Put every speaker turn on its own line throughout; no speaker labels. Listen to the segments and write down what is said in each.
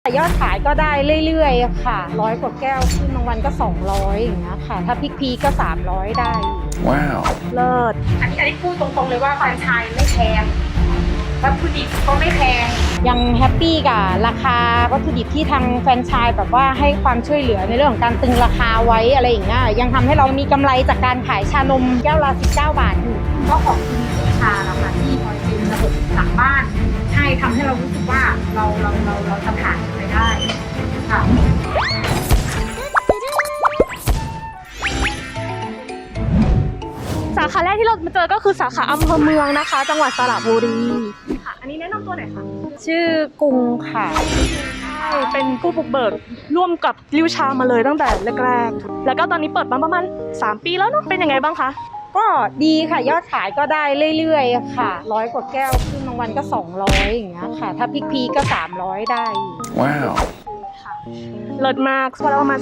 ยอดขายก็ได้เรื่อยๆค่ะ100 กว่าแก้วขึ้นบางวันก็200อย่างเงี้ยค่ะถ้าพีคก็300ได้
ว้าว
เลิศอันนี้พูดตรงๆเลยว่าแฟรนไชส์ไม่แพงวัตถุดิบก็ไม่แพงยังแฮปปี้กับราคาวัตถุดิบที่ทางแฟรนไชส์แบบว่าให้ความช่วยเหลือในเรื่องของการตึงราคาไว้อะไรอย่างเงี้ยยังทำให้เรามีกำไรจากการขายชานมแก้วละ19 บาทอยู่ก็ขอบคุณลูกค้าแล้วค่ะที่คอยเป็นระบบหลังบ้านใช่ทำให้เรารู้สึกว่าเราจะผ่านไปได้ค่ะ
สาขาแรกที่เรามาเจอก็คือสาขาอำเภอเมืองนะคะจังหวัดสระบุรีค่ะอันนี้แนะนำตัวหน่อยค่ะ
ชื่อกรุงค่ะ
ใช่เป็นผู้บุกเบิกร่วมกับริวชามาเลยตั้งแต่แรกๆแล้วก็ตอนนี้เปิดมาประมาณ3 ปีแล้วเนาะเป็นยังไงบ้างคะ
ก็ดีค่ะยอดขายก็ได้เรื่อยๆค่ะ100 กว่าแก้วขึ้นบางวันก็200อย่างเงี้ยค่ะถ้าพีคก็300ได้
ว้าว
เลิศมากวันละประมาณ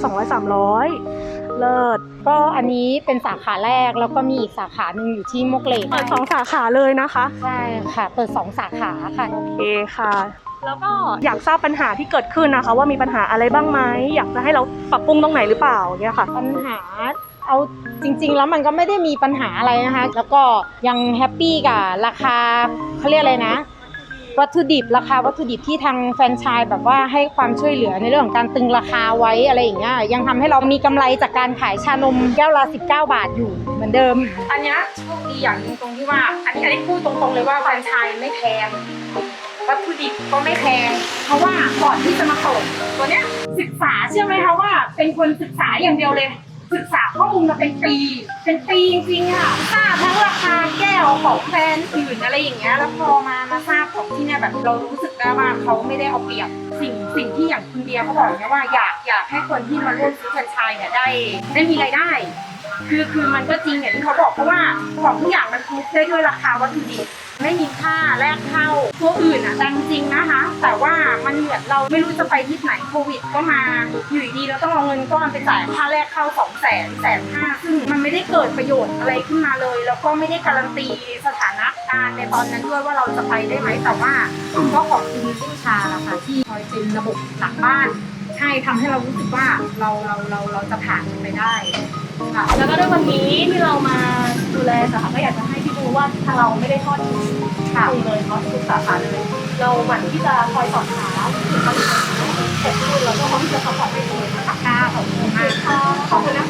200-300เลิศ
ก็อันนี้เป็นสาขาแรกแล้วก็มีอีกสาขาหนึ่งอยู่ที่มวกเหล็ก
เปิด2 สาขาเลยนะคะ
ใช่ค่ะเปิด2 สาขาค่ะ
โอเคค่ะแล้วก็อยากทราบปัญหาที่เกิดขึ้นนะคะว่ามีปัญหาอะไรบ้างไหมอยากจะให้เราปรับปรุงตรงไหนหรือเปล่าเนี่ยค่ะ
ปัญหาเอาจริงๆแล้วมันก็ไม่ได้มีปัญหาอะไรนะคะแล้วก็ยังแฮปปี้กับราคาเขาเรียกอะไรนะวัตถุดิบราคาวัตถุดิบที่ทางแฟรนไชส์แบบว่าให้ความช่วยเหลือในเรื่องของการตึงราคาไว้อะไรอย่างเงี้ยยังทำให้เรามีกำไรจากการขายชานมแก้วละ19 บาทอยู่เหมือนเดิมอันนี้โชคดีอย่างนึงตรงที่ว่าอันนี้พูดตรงๆเลยว่าแฟรนไชส์ไม่แพงวัตถุดิบก็ไม่แพงเพราะว่าก่อนที่จะมาเปิดตัวเนี้ยศึกษาเชื่อไหมคะว่าเป็นคนศึกษาอย่างเดียวเลยศึกษาข้อมูลมาเป็นปีจริงๆค่ะทราบทั้งราคาแก้วของแบรนด์อื่นอะไรอย่างเงี้ยแล้วพอมาทราบของที่เนี่ยแบบเรารู้สึกได้ว่าเขาไม่ได้เอาเปรียบสิ่งที่อย่างคุณเบียร์เขาบอกเนี่ยว่าอยากให้คนที่มาร่วมซื้อแฟรนไชส์เนี่ยได้มีรายได้คือมันก็จริงอย่างที่เขาบอกเพราะว่าของทุกอย่างมันคุ้มได้ด้วยราคาวัตถุดิบไม่มีค่าแลกเข้าตัวอื่นดังจริงนะคะแต่ว่ามันเหมือนเราไม่รู้จะไปที่ไหนโควิดก็มาอยู่ดีเราต้องเอาเงินก้อนไปจ่ายค่าแรกเข้า200,000-150,000ซึ่งมันไม่ได้เกิดประโยชน์อะไรขึ้นมาเลยแล้วก็ไม่ได้การันตีสถานะการในตอนนั้นด้วยว่าเราจะไปได้ไหมแต่ว่าก็ขอบคุณลูกชาแล้วค่ะที่คอยเป็นระบบหลังบ้านใช่ทำให้เรารู้สึกว่าเราจะผ่านไปได้ค่ะ
แล้วก็ด้วยวันนี้ที่เรามาดูแลสาขาก็อยากจะให้พี่ดูว่าทางเราไม่ได้ทอดทิ้งเลยเนาะทุกสาขาเลยเราหมั่นที่จะคอยสอบถามถึงปัญหาเกิดขึ้นแล้วก็พร้อมที่จะซัพพอร์ตให้คุณ
ค่ะขอบคุณมาก
ขอบคุณนะคะ